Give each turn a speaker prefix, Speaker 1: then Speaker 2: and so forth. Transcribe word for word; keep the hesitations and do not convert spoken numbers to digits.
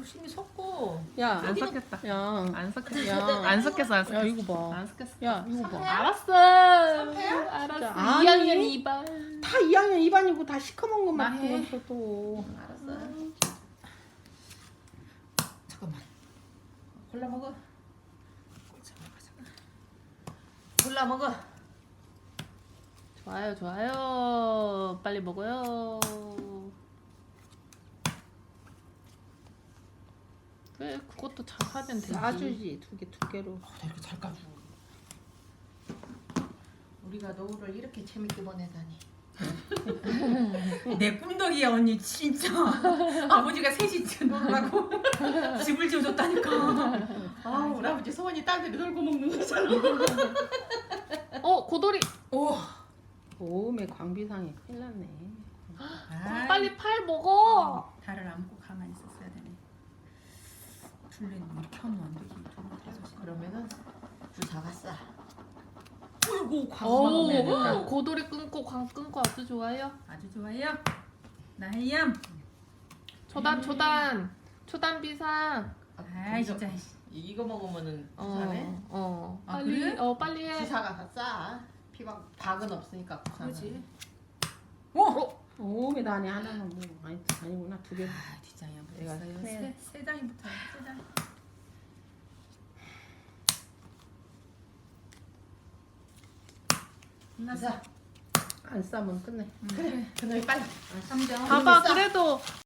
Speaker 1: 조심히 섞고.
Speaker 2: 야,
Speaker 3: 안 섞였다.
Speaker 2: 야,
Speaker 3: 안 섞였어.
Speaker 2: 야,
Speaker 3: 안 섞였어. 안
Speaker 2: 야
Speaker 3: 섞였어.
Speaker 2: 이거 봐.
Speaker 3: 안 섞였어.
Speaker 2: 야 이거 봐.
Speaker 3: 알았어. 알았어.
Speaker 2: 아니.
Speaker 3: 이 학년 이 반.
Speaker 2: 다 이 학년 이 반이고 다 시커먼 것만
Speaker 3: 나 해.
Speaker 2: 보면서 또.
Speaker 1: 알았어. 잠깐만. 골라 먹어. 잠깐만, 잠깐만. 골라 먹어.
Speaker 3: 좋아요, 좋아요. 빨리 먹어요. 왜 그것도 잘 하면 되지?
Speaker 2: 싸주지 두 개 두 개로.
Speaker 1: 아, 나 이렇게 잘 까줘. 우리가 노후를 이렇게 재밌게 보내다니. 내 꿈덕이야 언니 진짜. 아버지가 셋이 놀라고 집을 지어줬다니까. 아 우리 아버지 소원이 딸들이 놀고 먹는 거잖아.
Speaker 3: 어, 고돌이.
Speaker 1: 오.
Speaker 2: 오메 광비상에 큰일 났네.
Speaker 1: 아,
Speaker 3: 빨리 팔 먹어.
Speaker 1: 달을 안고 가만히 있었어야 되네. 둘레는 이렇게 하면 안 되지. 그러면은 주사가 싸. 어이구
Speaker 3: 오, 고돌이 끊고 광 끊고 아주 좋아요.
Speaker 1: 아주 좋아요. 나혜얌.
Speaker 3: 초단 초단 초단 비상.
Speaker 1: 아 진짜. 이거 먹으면은 부산에
Speaker 3: 어, 어.
Speaker 1: 아,
Speaker 3: 빨리
Speaker 1: 그래?
Speaker 3: 어 빨리 해.
Speaker 1: 주사가 다 싸. 피박 박은 없으니까 부산은.
Speaker 3: 그렇지.
Speaker 1: 오.
Speaker 2: 오메 나네 하나는 뭐 아니 아니구나 두 개.
Speaker 1: 아 뒷장이 안
Speaker 2: 내가
Speaker 1: 보였어요.
Speaker 2: 세-
Speaker 1: 세, 세 장이부터 세 장. 끝났어.
Speaker 2: 안 싸면 끝내.
Speaker 1: 그래. 그놈이 빨리. 삼 장.
Speaker 3: 봐봐 그래도